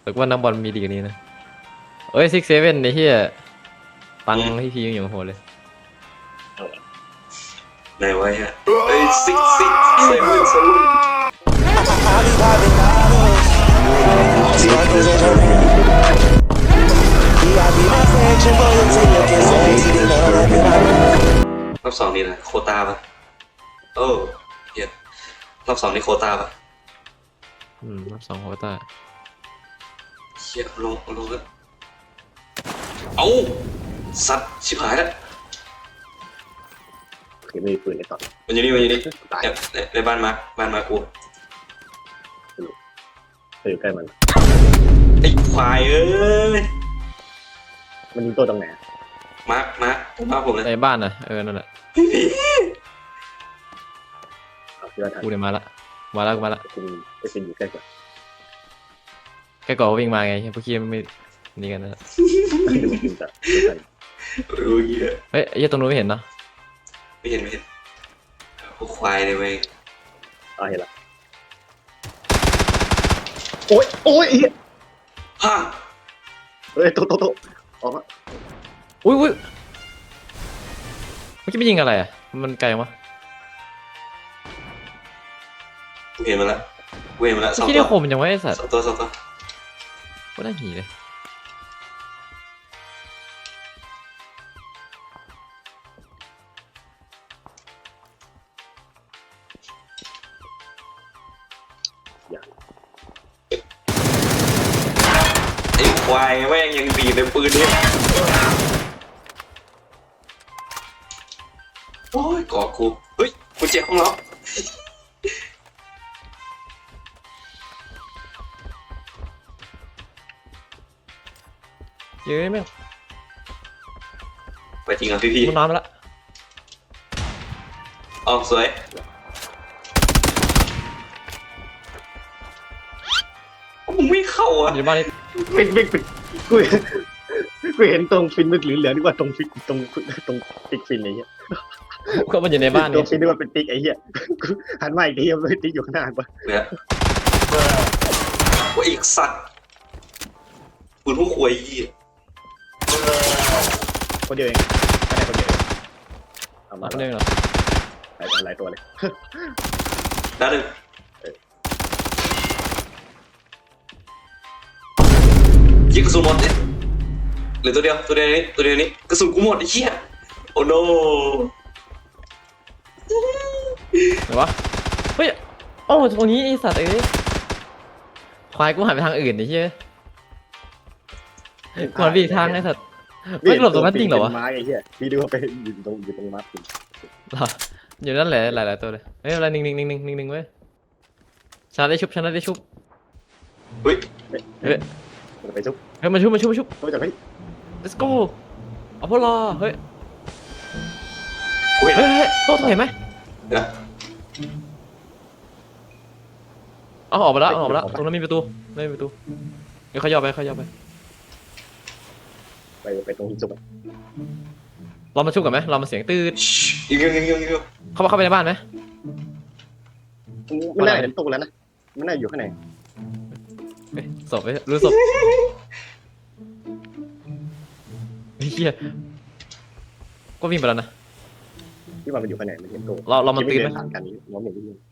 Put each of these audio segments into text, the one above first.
แต่ว่านักบอลมีดีกว่านี้นะเอ้ย6-7ไอ้เหี้ยตังค์ที่พียังอยู่โหดเลยไหนวะเนี่ยเอ้ย6-6-7-7 รอบสองนี่นะโควตาปะโอ้เหี้ยรอบสองนี่โควตาปะรอบ2โควต้าเชี่ยลงแล้วเอ้าสัตว์ชิบหายแล้วคือไม่มีปืนในตอนมันอยู่นี่ตายในบ้านมากูอยู่ใกล้มันไอ้ควายเอ้ยมันยิงตัวตรงไหนมาผมเลยในบ้านน่ะนั่นแหละที่ว่าทันกูเนี่ยมาละคุณไปเป็นอยู่ใกล้กว่าแค่ก่อวิ่งมาไงพวกขี้ไม่นี่กันนะดูจริงจังรู้เหี้ยเฮ้ยไอ้ตรงนู้นไม่เห็นเนาะไม่เห็นพวกควายเลยเว้ยเห็นละโอ้ยฮะเฮ้ยโตออกมาอุ้ยเมื่อกี้ไม่ยิงอะไรอ่ะมันไกลวะกูเห็นมาละสองที่ตัได้วคมยังไม่ไอ้สัตว์สองตัวก็ได้หีเลยไอ้ควายแม่งยังดีในปืนเนี่ยโอ้ยก่อกูเฮ้ยกูเจ็บของเราเย้แม่งไปจริงอ่ะพี่มันน้ำละอ๋อสวยมึงไม่เข้าอ่ะอยู่บ้านนี้ปิดกูเห็นตรงฟินมันเหลือๆนี่ว่าตรงฟินตรงติ๊กฟินไอ้เหี้ยก็มันอยู่ในบ้านตรนี่งฟินนี่ว่าเป็นติ๊กไอ้เหี้ยหันมาอีกทีมันไม่ติ๊กอยู่ข้างหน้าปะเนี่ยว่าอีกสัตว์ปืนพวกควายยี่คนเดียวเองแค่ไหนคนเดียวเองเอามาคนเดียวเหรอหลายตัวเลยด้านหนึ่งยิงกระสุนหมดเนี่ยเหลือตัวเดียวนี้กระสุนกูหมดไอ้เหี้ยโอ้โนไหนวะเฮ้ยโอ้ตรงนี้ไอ้สัตว์ควายกูหันไปทางอื่นไอ้เหี้ยก่อนไปอีกทางไอ้สัตว์ไม่หลบตรงนั้นจริงเหรอวะไม้ไอ้เหี้ยพี่ดูว่าไปอยู่ตรงม้าปิดอยู่นั่นแหละหลายๆตัวเลยเฮ้ยอะไรนิ่งเว้ยชนะได้ชุบเฮ้ยเฮ้ยไปชุบมาชุบเขาจะไป let's go เอาพวกรอเฮ้ยกูเห็นโต๊ะเห็นไหมนะเอาออกไปแล้วตรงนั้นมีประตูไม่มีประตูเดี๋ยวเขาย่อไปไปตรงที่ชุบเรามาชุบกันไหมเรามาเสียงตื้นยิงเข้าไปในบ้านไหมไม่น่าเห็นตู้แล้วนะไม่น่าอยู่ข้างในศพรู้ศพเฮียก็วิ่งไปแล้วนะที่ว่ามันอยู่ข้างในมันเห็นตู้เรามาตื่นไหมผ่านกันนี้มองเห็นนิดนึง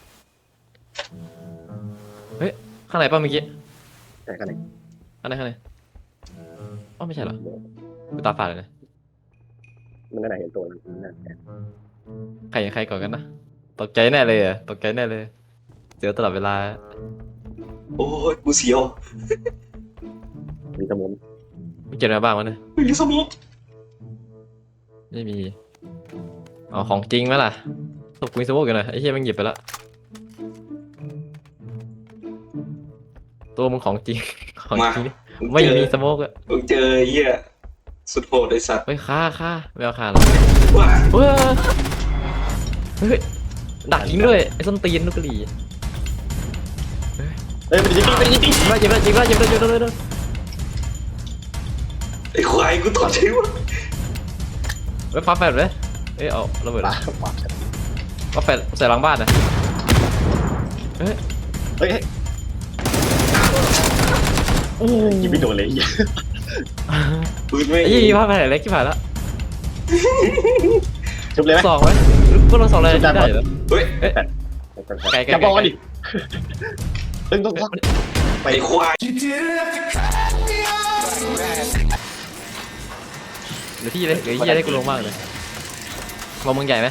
เฮ้ยข้างไหนป่ะเมื่อกี้ใช่ข้างในข้างไหนอ๋อไม่ใช่เหรอกูตาฝาดเลยนะมันน่าเห็นตัวมันน่าใครก่อนกันนะตกใจแน่เลยเจอตลอดเวลาโอ้ยกูเสียวมีสมุนไม่เจออะไรบ้างวะเนี่ยมีสมุกไม่มีอ๋อของจริงไหมล่ะศพกูมีสโมกอยู่นะไอ้เหี้ยมันหยิบไปละตัวมึงของจริงไม่มีสโมกอะมึงเจอเหี้ยสุดโหดไอ้สัตว์เฮ้ยฆ่าไม่เอาฆ่าหรอกเฮ้ยดักยิงด้วยไอ้ส้นตีนลูกกะหรี่มันยิงมายิงเลยไอ้ควายกูตอดใช่ไหมเฮ้ยฟ้าแฟดเลยเอาระเบิดฟ้าแฟดใส่หลังบ้านนะเฮ้ยโอ้ยิงไม่โดนเลยไอ้เหี้ยปืนไม่ไอ้ยี่พลาดไปไหนเล็กที่ผ่านแล้วชุบเลยไหมสองไหมพวกเราสองเลยได้เหรอเฮ้ยไกลอย่าบอกกันดิตึงต้องไปไอ้ควายเดี๋ยวที่เลยเดี๋ยวที่ได้กูลงมากเลยมองมึงใหญ่ไหม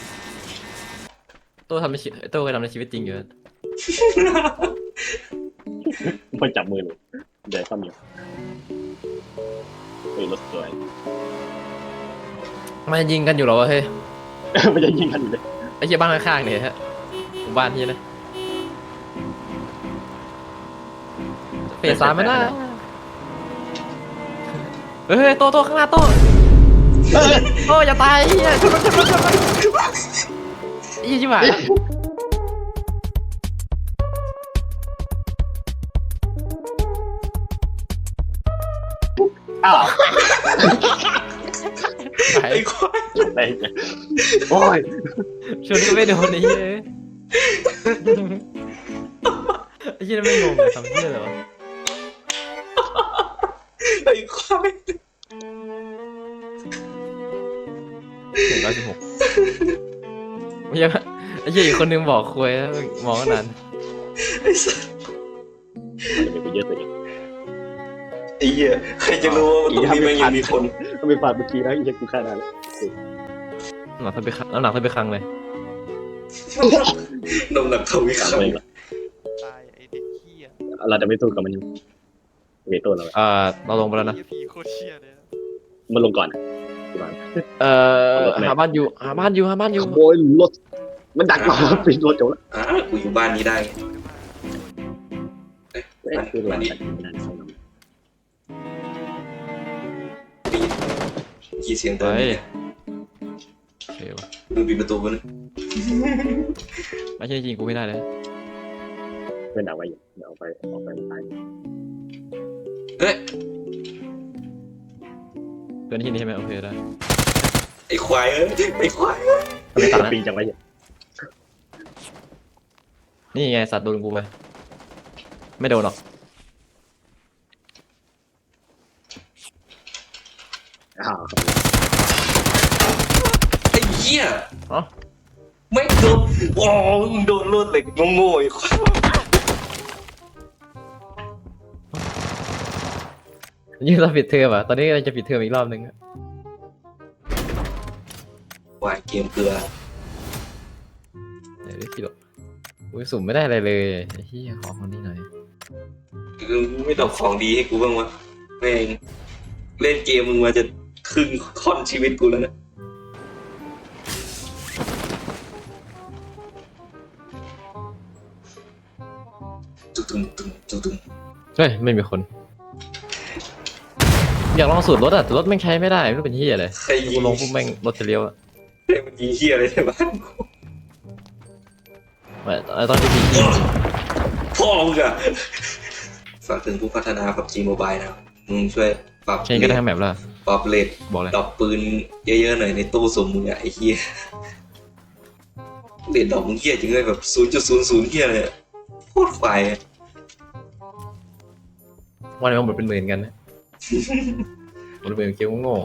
โต้ทำในชีวิตโต้เคยทำในชีวิตจริงอยู่มันจับมือเลยเดี๋ยวซ้ำอยู่เฮ้ยรถสวยมันยิงกันอยู่เหรอวะเฮ้ยมันจะยิงกันอยู่เลยไอ้เหี้ยบ้านข้างๆเนี่ยฮะหมู่บ้านที่นะเฟส3มันน่ะเฮ้ยโต้ข้างหน้าโต้โต้อย่าตายไอ้เหี้ยชนมันไอ้เหี้ยชิบหายแล้วอ้าวหายไอ้ควายอะไรเนี่ยโอ้ยชนก็ไม่โดนไอ้เหี้ยไอ้เหี้ยไม่งงเลยทำเหี้ยเลยวะไอ้ควาย 116ไม่ใช่ไอ้เหี้ยอีกคนนึงบอกคุยแล้วมองกันนานไอ้สัสมันจะไปเยอะตัวเองไอ้เหี้ยใครจะรู้ว่าตรงนี้แม่งยังมีคนก็ไปฝากเมื่อกี้นะไอ้เหี้ยกูฆ่าได้แล้วหนักเท่าไปครั้งแล้วหนักเท่าไปครั้งเลยน้ำหนักเท่าวิกลับคัไปงเหรอตายไอเด็กเหี้ยเราจะไม่สู้กับมันเวทตัวเราเราลงไปแล้วนะเหี้ยผีโคตรเชี่ยเลยนะมันลงก่อนที่บ้านหาบ้านอยู่หาบ้านอยู่หาบ้านอยู่ขโมยรถมันดักเราปิดรถจบแล้วกูอยู่บ้านนี้ได้เอ้ยคือเราตัดไม่ได้เข้าน้กี่เสียงเดินเนี่ยโอเควะมึงปิดประตูมันไม่ใช่จริงกูไม่ได้เลยำเพื่อนเอาไว้อยู่เดี๋ยวเอาไปตายเฮ้ยเกินที่นี่ใช่ไหมโอเคได้ไอ้ควายเอ้ยไอ้ควายทำไมตาปีจังไว้เนี่ยนี่ไงสัตว์โดนกูไปไม่โดนหรอกอ้าวไอ้เหี้ยอ๋อไม่โดนโอ้มึงโดนรวดเหล็กโง่ๆไอ้ควายยิ่งเราปิดเทอมอ่ะตอนนี้เราจะปิดเทอมอีกรอบนึงอะควายเกมเกลือเดี๋ยวได้กี่หรอกอุ้ยสุ่มไม่ได้อะไรเลยไอ้เหี้ยขอคนนี้หน่อยคือมึงไม่ดอกของดีให้กูบ้างวะแม่งเล่นเกมมึงมาจะครึ่งค่อนชีวิตกูแล้วนะตุ้มเฮ้ยไม่มีคน อยากลองสูตรรถอ่ะแต่รถแม่งใช้ไม่ได้ไม่รู้เป็นเหี้ยเลยใครยิกูงลงปุ๊บแม่งรถจะเลี้ยวอะใครมันยิงเหี้ยอะไรในบ้านกูไม่ตอนที่พี่ยิงพ่อมึงอะฝากถึงผู้พัฒนา PUBG Mobile นะมึงช่วยปรับใช้ก็ได้ทั้งแมปแล้วปรับเลทบอกเลยดอกปืนเยอะๆหน่อยในตู้สมมึงอะไอ้เหี้ยเลทดอกมึงเหี้ยจริงเลยแบบ 0.00 เหี้ยเลยอะโคตรควายอะวันนี้มันหมดเป็นหมื่นกันนะหมดเป็นหมื่นเกมโง่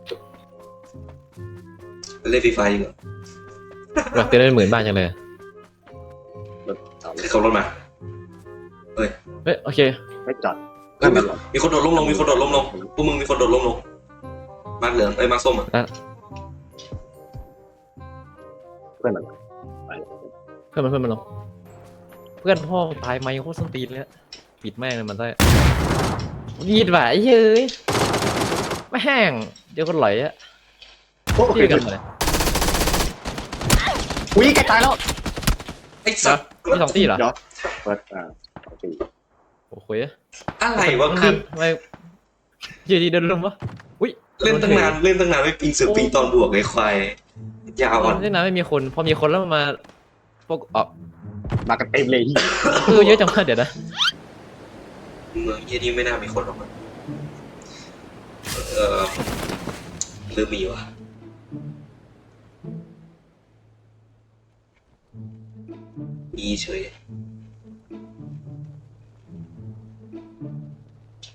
เล่นฟรีไฟดีกว่าอยากเต้นได้หมื่นบ้างจังเลยรถจอดใครขับรถมาเฮ้ยโอเคไม่จอดเฮ้ยมีคนโดดล้มลงมีคนโดดล้มลงพวกมึงมีคนโดดล้มลงมาร์คเหลืองมาร์คส้มอะเพื่อนมันไปเพื่อนมันลงเพื่อนพ่อตายไหมโคตรส้นตีนเลยอะปิดแม่งเลยมันได้ยีดว่ะไอ้เฮ้ยไม่แห้งเดี๋ยวคนไหลอะโอ้ที่ยกันเลยอุ้ยใกล้ตายแล้วไอ้สัตว์มีสองตีเหรอเดี๋ยวเปิดโอเคโอ้โหอะไรวะคือทำไมยืนดีเดินลงวะอุ้ยเล่นตั้งนานไม่ปิงเสือปิงตอนบวกไอ้ควายยาวอ่ะเล่นน้ำไม่มีคนพอมีคนแล้วมันมาพวกออกมากันเต็มเลยคือเยอะจังวะเดี๋ยวนะเมืองเฮียนี่ไม่น่ามีคนหรอกมั้งหรือมีวะมีเฉย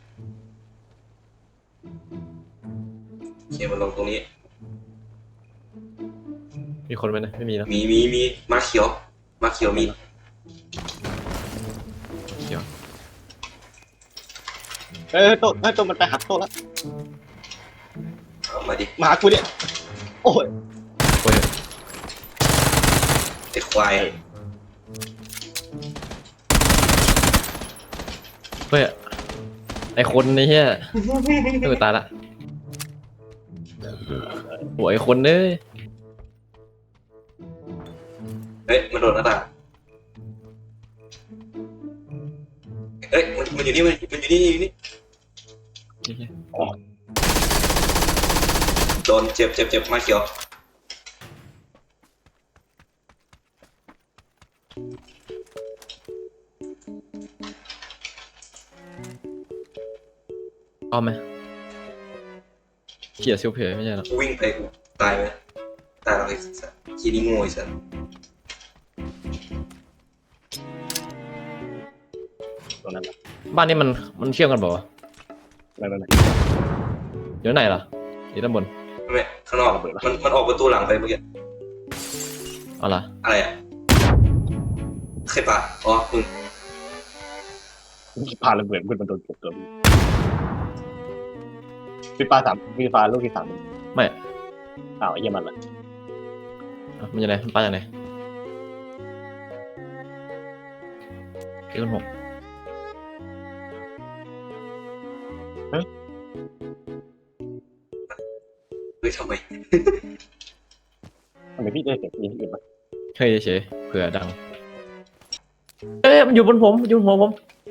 เคมันลงตรงนี้มีคนไหมนะไม่มีนะมีมาเขียวมาเขียวมีเดี๋ยวตัวมันไปหักโต๊ะแล้วเอามาดิมาหากูเนี่ยโอ้ยโอ้ยไอ้ควายเฮ้ยไอคนนี่เฮียเออตายละโอ้ยไอคนเอ้ยเฮ้ยมันโดนหน้าต่างเฮ้ยมันอยู่นี่มันอยู่นี่อยู่นี่โดนเจ็บมาเขียวเอาไหมเขี่ยซิลเพย์ไม่ใช่หรอกูวิ่งไปกูตายไหมตายหรอกไอ้สัสคีนี่โง่ไอ้สัสตรงนั้นแหละบ้านนี้มันเชื่อมกันเปล่าวะไม่อยู่ไหนล่ะอยู่ด้านบนไม่ข้างนอกมันออกประตูหลังไปเมื่อกี้เอาล่ะอะไรอ่ะใครปะอ๋อมึงพาระเบิดขึ้นมาโดนตัวพี่ปลาลูกที่ 3 ไม่อ้าวไอ้เหี้ยมันละอ่ะมันยังไงมันปาอย่างไหนเอ็กซ์6 เฮ้ยทำไมทำไมพี่ได้เสียงยิงที่อื่นมาเฮ้ยเฉยเผื่อดังเอ้ยมันอยู่บนผมมันอยู่บนหัวผม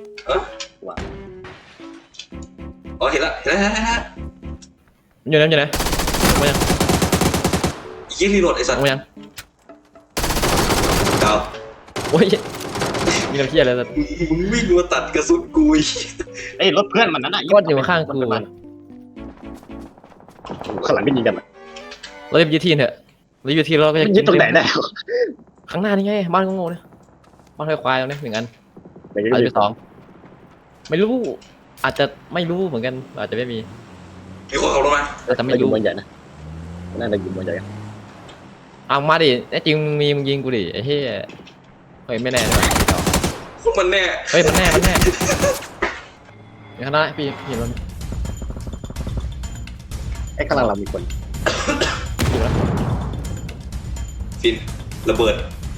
อ๋อเห็นละมันอยู่ไหนมันอยู่ไหนมายังยี่รีโหลดไอ้สัสมายังดาวโอ้ยมีน้ำเชี่ยอะไรสักมึงวิ่งมาตัดกระสุนกูอีกเอ้ยรถเพื่อนมันนั่นน่ะก้อนอยู่ข้างกูข้างหลังไม่ยิงกันอ่ะเราจะยึดที่เถอะเรายึดที่เราก็จะยิงตรงไหนได้ข้างหน้านี่ไงบ้านงงๆเนี่ยบ้านควายๆตรงนี้1 อันไม่อาจจะเป็น2ไม่รู้อาจจะไม่รู้เหมือนกันอาจจะไม่มีมีคนขับรถมาอาจจะไม่อยู่รู้บนใหญ่นะน่าจะอยู่บนใหญ่เอามาดิแน่จริงมึงยิงกูดิไอ้เหี้ยเฮ้ยไม่แน่เลยพวกมันแน่เฮ้ยมันแน่อย่างนั้นนะพี่เห็นมันไอ้ข้างหลังเรามีคนอยู่แล้วฟินระเบิด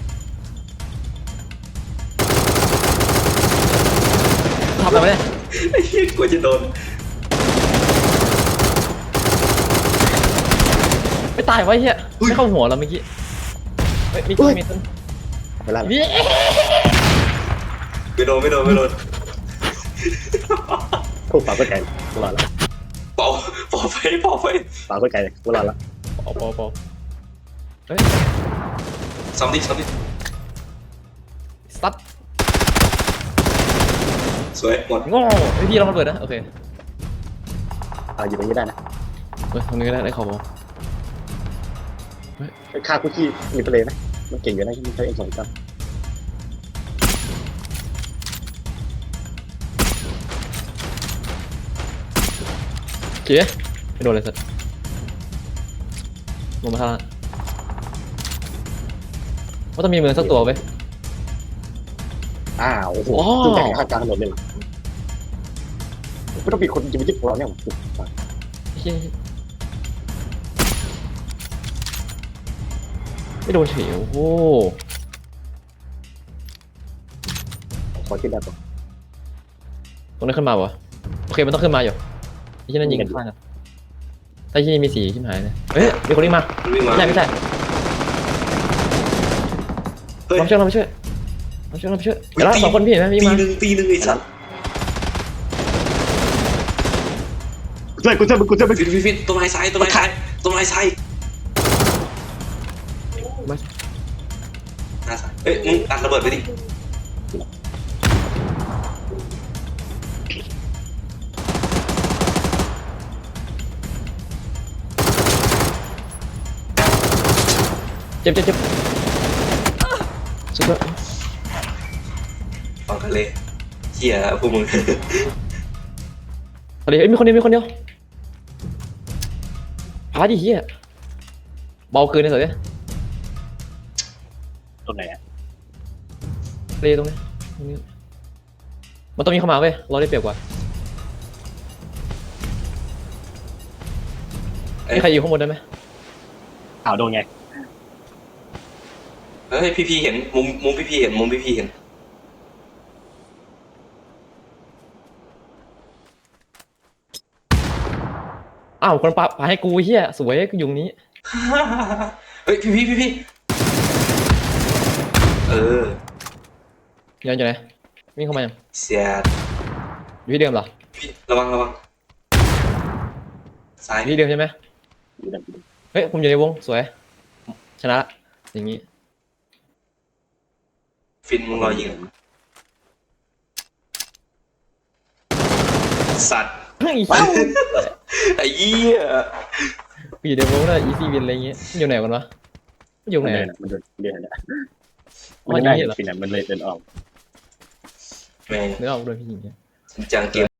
ทำอะไรมาเนี่ยไอ้เหี้ยกลัวจะโดนไม่ตายวะไอ้เหี้ยไม่เข้าหัวเราเมื่อกี้เฮ้ยมีต้นเวลานี่ไม่โดนพูดปากก็ไกลกูรอดแล้วเป่าไฟปากก็ไกลกูรอดแล้วปอเฮ้ยซ้ำดิซัดสวยหมดโง่ไอพี่เรามาเปิดนะโอเคอยู่ตรงนี้ได้นะเฮ้ยตรงนี้ได้ขอบอค่าคุกกี้มีไปเลยนะมันเก่งอยู่นะที่ใช้เอ็ม2กันเจ๊ไม่โดนเลยสัตว์ลงมาทางว่าต้องมีมือสักตัวไหมโอ้โหจุดแข่งข้างกลางถนนเลยไม่ต้องมีคนจะมายึดหัวเราเนี่ยไม่โดนเฉียวโอ้ขอคิดได้ปะตรงนั้นขึ้นมาวะโอเคมันต้องขึ้นมาอยู่ที่นั่นยิงกันข้างกันถ้าที่นี่มีสีชิบหายเลยเฮ้ยมีคนวิ่งมาวิ่งมาไม่ใช่เฮ้ยเราไปช่วยเดี๋ยวละ2 คนพี่เห็นไหมวิ่งมาปีหนึ่งไอ้สัสกูเจอมึงฟินต้นไม้ซ้ายเอ้ยมึงอัดระเบิดไปดิเจ็บสุดยอดฟังกันเลยเหี้ยพวกมึงเฮ้ยมีคนเดียวพาดิเฮียเบาเกินเลยสิตรงไหนอ่ะเลยตรงนี้มันต้องมีเข้ามาเว้ยเราได้เปรียบกว่ามีใครอยู่ข้างบนได้ไหมข่าวโดนไงเฮ้ยพี่เห็นมุมพี่เห็นมุมพี่เห็นอ้าวคนปาให้กูเฮียสวยกูอยู่ตรงนี้เฮ้ยพี่เออยังอยู่ไหนวิ่งเข้ามายังเสียดอยู่ที่เดิมเหรอพี่ระวังซ้ายอยู่ที่เดิมใช่ไหมอยู่ดันเฮ้ยผมอยู่ในวงสวยชนะละอย่างนี้ฟินมึงรอยิงสัตว์เฮ้ยเศร้าไอ้เหี้ยกูอยู่ในวงน่ะอีซีวินอะไรเงี้ยอยู่ไหนกันวะอยู่ไหนมันเดินเดินอ่ะอ๋อมันได้นี่เหรอฟินอ่ะมันเลยเดินออกแม่งเนื้อออกโดนพี่ยิงเนี่ยจริงจังเกม